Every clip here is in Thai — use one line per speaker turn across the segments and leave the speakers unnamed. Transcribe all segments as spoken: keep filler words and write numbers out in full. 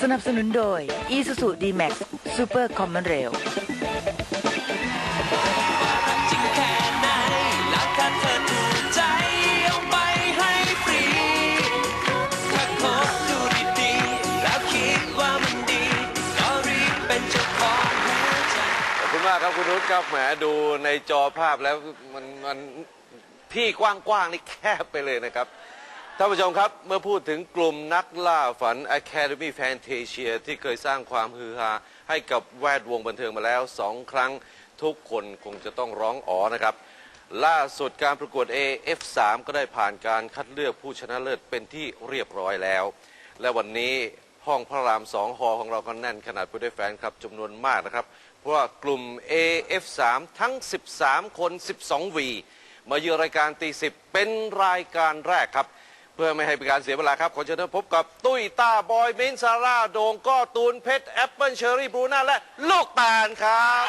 นับสนุนโดย Isuzu D-Max Super Common Rail
มากครับคุณนุชครับแหมดูในจอภาพแล้วมันมันที่กว้างๆนี่แคบไปเลยนะครับท่านผู้ชมครับเมื่อพูดถึงกลุ่มนักล่าฝัน Academy Fantasia ที่เคยสร้างความฮือฮาให้กับแวดวงบันเทิงมาแล้วสองครั้งทุกคนคงจะต้องร้องอ๋อนะครับล่าสุดการประกวด เอ เอฟ สาม ก็ได้ผ่านการคัดเลือกผู้ชนะเลิศเป็นที่เรียบร้อยแล้วและวันนี้ห้องพระรามสองฮอของเราก็แน่นขนาดผู้ได้แฟนครับจำนวนมากนะครับเพราะว่ากลุ่ม เอ เอฟ สาม ทั้งสิบสามคนสิบสองวีมาเยือนรายการตีสิบเป็นรายการแรกครับเพื่อไม่ให้เป็นการเสียเวลาครับขอเชิญพบกับตุ้ยต้าบอยมิ้นซาร่าโดงก้อตูนเพชรแอปเปิลเชอรี่บรูน่าและลูกตาลครับ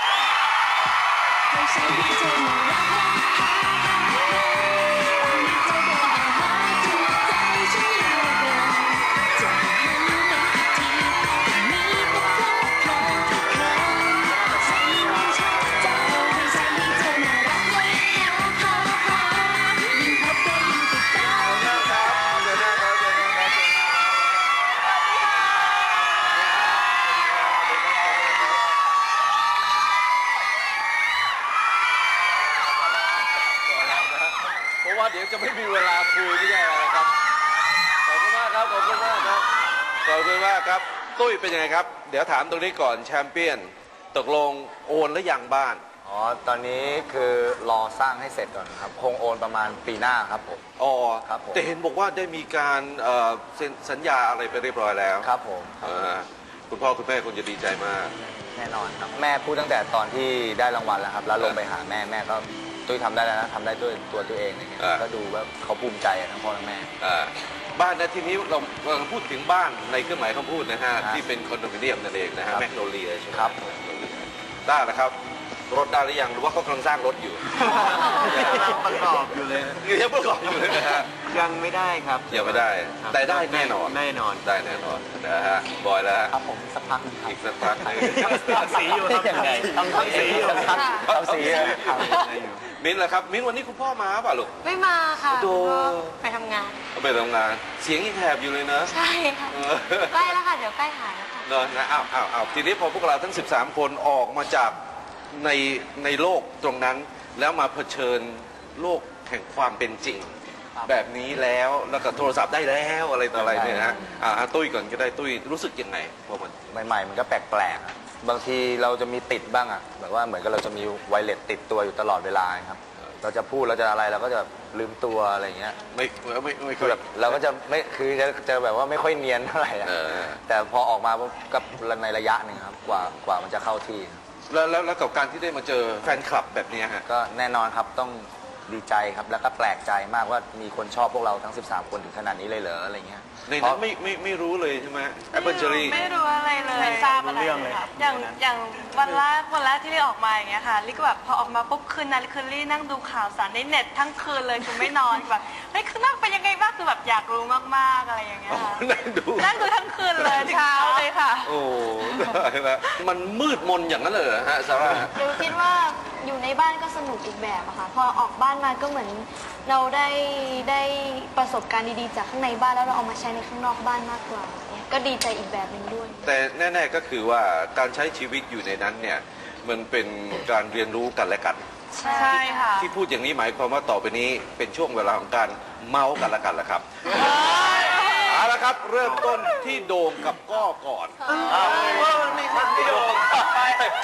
เดี๋ยวจะไม่มีเวลาคุยไม่ใช่อะไรครับขอบคุณมากครับขอบคุณมากครับขอบคุณมากครับตุ้ยเป็นยังไงครับเดี๋ยวถามตรงนี้ก่อนแชมเปี้ยนตกลงโอนหรือยังบ้าน
อ๋อตอนนี้คือรอสร้างให้เสร็จก่อนครับคงโอนประมาณปีหน้าครับผม
อ๋อ
ครับผม
แต่เห็นบอกว่าได้มีการเซ็นสัญญาอะไรไปเรียบร้อยแล้ว
ครับผม
คุณพ่อคุณแม่คงจะดีใจมาก
แน่นอนครับแม่พูดตั้งแต่ตอนที่ได้รางวัลแล้วครับแล้วลงไปหาแม่แม่ก็ตุ้ยทำได้แล้วนะทำได้ด้วยตัวตัวเองอะไรเงี้ยก็ดูว่าเขาภูมิใจทั้งพ่อทั้งแม่
บ้านนะทีนี้เราเราพูดถึงบ้านในเครื่องหมายคำพูดนะฮะที่เป็นคอนโดมิเนียมนั่นเองนะฮะแมกโนเลียใช่ไหม
ครับ
ได้นะครับรถได้หรือยังหรือว่าเขากำลังสร้างรถอยู่
ยังประกอบอยู่เลย
ยังประกอบอยู่เลยนะฮะ
ยังไม่ได้ครับ
ยังไม่ได้แต่ได้แน่นอน
แน่นอน
ได้แน่นอนนะฮะบอยแล้ว
ครับผมสักพัก
อีกสักพัก
ทำสีอยู่ครับยังไงทำสีอยู่ครับทำสี
มิ้นท์ล่ะครับมิ้นท์วันนี้คุณพ่อมาป่ะลูก
ไม่มาค่ะดูไปทำงาน
ไปทำงานเสียงยังแหบอยู่เลยนะ
ใช่ค่ะใกล้แล้วค่ะเดี๋ยวใกล้หายแล้วค่ะ
เนอะนะอ้าวอ้าวอ้าวทีนี้พอพวกเราทั้งสิบสามคนออกมาจากในในโลกตรงนั้นแล้วมาเผชิญโลกแห่งความเป็นจริงแบบนี้แล้วแล้วก็โทรศัพท์ได้แล้วอะไรต่ออะไรเนี่ยนะอ่าตุ้ยก่อนก็ได้ตุ้ยรู้สึกยังไงพอมัน
ใหม่ๆมันก็แปลกๆบางทีเราจะมีติดบ้างอ่ะแบบว่าเหมือนกับเราจะมีไวเลสติดตัวอยู่ตลอดเวลาครับเราจะพูดเราจะอะไรเราก็จะลืมตัวอะไรอย่างเงี้ย
ไม่ไม่ไม่
คือแบบเราก็จะไม่คือจะจะแบบว่าไม่ค่อยเนียนเท่าไหร่แต่พอออกมากับในระยะหนึ่งครับกว่ากว่ามันจะเข้าที่
แล้วแล้วแล้วกับการที่ได้มาเจอแฟนคลับแบบนี้ฮะ
ก็แน่นอนครับต้องดีใจครับแล้วก็แปลกใจมากว่ามีคนชอบพวกเราทั้งสิบสามคนถึงขนาดนี้เลยเหรออะไรเงี้ย
ในนั้นไม่ไม่ไม่รู้เลยใช่ไหมแอปเปิลเชอรี่
ไม่รู้อะไรเลยไม่ทราบอะไรเลยค่ะอย่างอย่างวันแรกวันแรกที่ลิออกมาอย่างเงี้ยค่ะลิก็แบบพอออกมาปุ๊บคืนนั้นคือลินั่งดูข่าวสารในเน็ตทั้งคืนเลยคือไม่นอนแบบเฮ้ยคือนั่งเป็นยังไงบ้างคือแบบอยากรู้มากๆอะไรอย่างเงี้ยค่ะ
นั่งดู
นั่งดูทั้งคืนเลยเช้าเลยค่ะ
โอ้ได้แล้วมันมืดมนอย่างนั้นเลยฮะซาร่า
ลิคิดว่าอยู่ในบ้านก็สนุกอีกแบบอะค่ะพอออกบ้านมาก็เหมือนเราได้ได้ประสบการณ์ดีๆจากข้างในบ้านแล้วเราเอามาใช้ในข้างนอกบ้านมากกว่าก็ดีใจอีกแบบหนึ่งด้วย
แต่แน่ๆก็คือว่าการใช้ชีวิตอยู่ในนั้นเนี่ยมันเป็นการเรียนรู้กันและกัน
ใช่ค่ะ
ที่พูดอย่างนี้หมายความว่าต่อไปนี้เป็นช่วงเวลาของการเมาส์กันและกันแหละครับเอาละครับเริ่มต้นที่โดมกับก้อก่อนไม่ใช่ที่โดมไป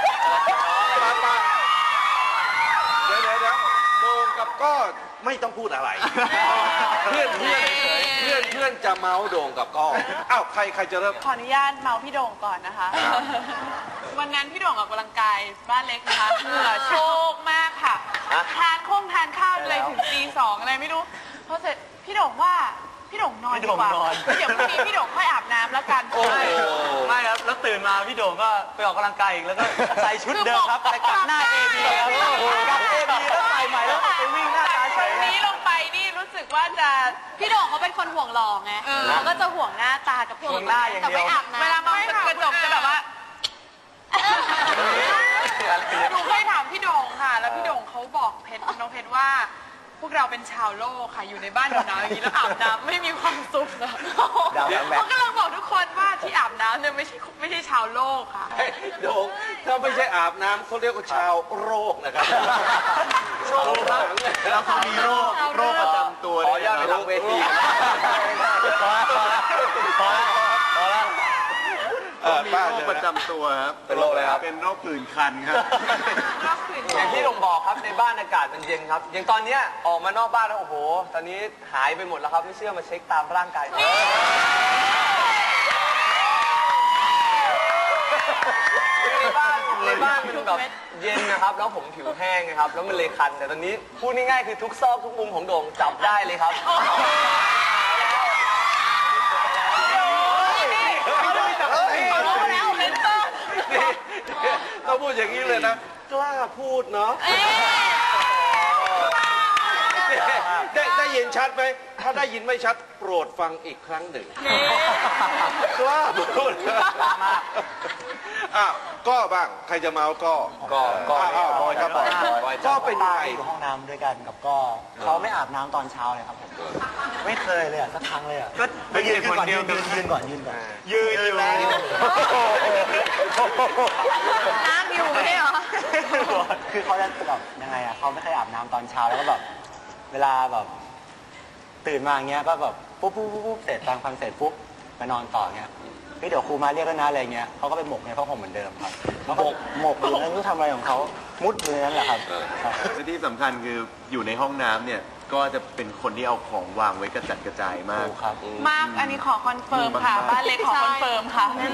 เดี๋ยวเดี๋ยวโดมกับก้อไม่ต้องพูดอะไรเพื่อนเพื่อนเพื่อนเพื่อนจะเมาส์โด่งกับก้ออ้าวใครใครจะเริ่ม
ขออนุญาตเมาส์พี่โด่งก่อนนะคะวันนั้นพี่โด่งออกกำลังกายบ้านเล็กนะคะเหงื่อโชกมากค่ะทานข้งทานข้าวเลยถึงตีสองอะไรไม่รู้พอเสร็จพี่โด่งว่าพี่โด่งนอนดีกว่าเดี๋ยวพรุ่งนี้พี่โด่งค่อยอาบน้ำแล้วกัน
ไม่ครับแล้วตื่นมาพี่โด่งก็ไปออกกำลังกายอีกแล้วก็ใส่ชุดเดิมครับไปกลับหน้าเอบีครับกลับเอบีแล้วใส่ใหม่แล้วไปวิ่งหน้าตาเฉย
นี้ลงไปนี่รู้สึกกว่าจะ
พี่โด่งเขาเป็นคนห่วงหล่อไง
เออ
เขาก็จะห่วงหน้าตากับ
ห่วงหน้าอย่างเดียว
แต่ไม่อาบน้ำ
เวลามองกระจกจะแบบว่าหนูเคยถามพี่โด่งค่ะ แล้วพี่โด่งเขาบอกเพชรน้องเพชรว่า พวกเราเป็นชาวโลกค่ะอยู่ในบ้านหนาวๆอย่างนี้แล้วอาบน้ำไม่มีความสุขนะ
ดาวน้ำแบ
เขากำลังบอกทุกคนว่าที่อาบน้ำเนี่ยไม่ใช่ไม่ใช่ชาวโลกค่ะ
เฮ้ยโด่งถ้าไม่ใช่อาบน้ำเขาเรียกว่าชาวโรคนะครับโรคหลังเลย
แล้วเขามีโรคโรคประจำตัว
ขออนุญาตไปหลังเวที
พอแล้วพอแล้วพอแล้วพอแล้ว
เออ
มี
ป้า
โร
เจ
ค
อ
ประจำตัวครับ
เป็นโรคอะไรครับ
เป็นโรคผื่นคันครับ
อย่างที่ผมบอกครับในบ้านอากาศมันเย็นครับ อย่างตอนเนี้ยออกมานอกบ้านแล้วโอ้โห ตอนนี้หายไปหมดแล้วครับไม่เชื่อมาเช็คตามร่างกายคือในบ้านในบ้านมันแบบเย็นนะครับแล้วผมผิวแห้งนะครับแล้วมันเลยคันแต่ตอนนี้พูดง่ายๆคือทุกซอกทุกมุมของโด่งจับได้เลยครับ
ต้องพูดอย่างนี้เลยนะ กล้าพูดเนาะได้ได้ยินชัดไหม ถ้าได้ยินไม่ชัดโปรดฟังอีกครั้งหนึ่งกล้าพูดอ่ะก็บ้าง ใครจะเมาก็
ก็ก็
อ้าวอ้าวบอยครับบอยบอยก็เป็นยังไง
อยู่ห้องน้ำด้วยกันกับก็เขาไม่อาบน้ำตอนเช้าเลยครับผมไม่เคยเลยอ่ะสักครั้งเลยอ่ะ
ก็ไปยืนคนเดียว
ยืนยืนก่อนยืนก่อน
ยืนอยู่
น้ำอยู่ไม่ใช่เหรอ
คือเขาจะแบบยังไงอ่ะเขาไม่เคยอาบน้ำตอนเช้าแล้วก็แบบเวลาแบบตื่นมาอย่างเงี้ยก็แบบปุ๊บปุ๊บปุ๊บปุ๊บเสร็จตามฟันเสร็จปุ๊บไปนอนต่อเงี้ยเฮ้ยเดี๋ยวครูมาเรียกแล้วนะอะไรเงี้ยเขาก็ไปหมกในผ้าห่มเหมือนเดิมครับแล้วก็หมกอยู่นั่นก็ทำอะไรของเขามุดอยู่ในนั้นแหละครับครับ
และที่สำคัญคืออยู่ในห้องน้ำเนี่ยก็จะเป็นคนที่เอาของวางไว้กระจัดกระจายมาก
ถูกครับ
มากอันนี้ขอคอนเฟิร์มค่ะ บ้านเล็กขอคอนเฟิร์มค่ะ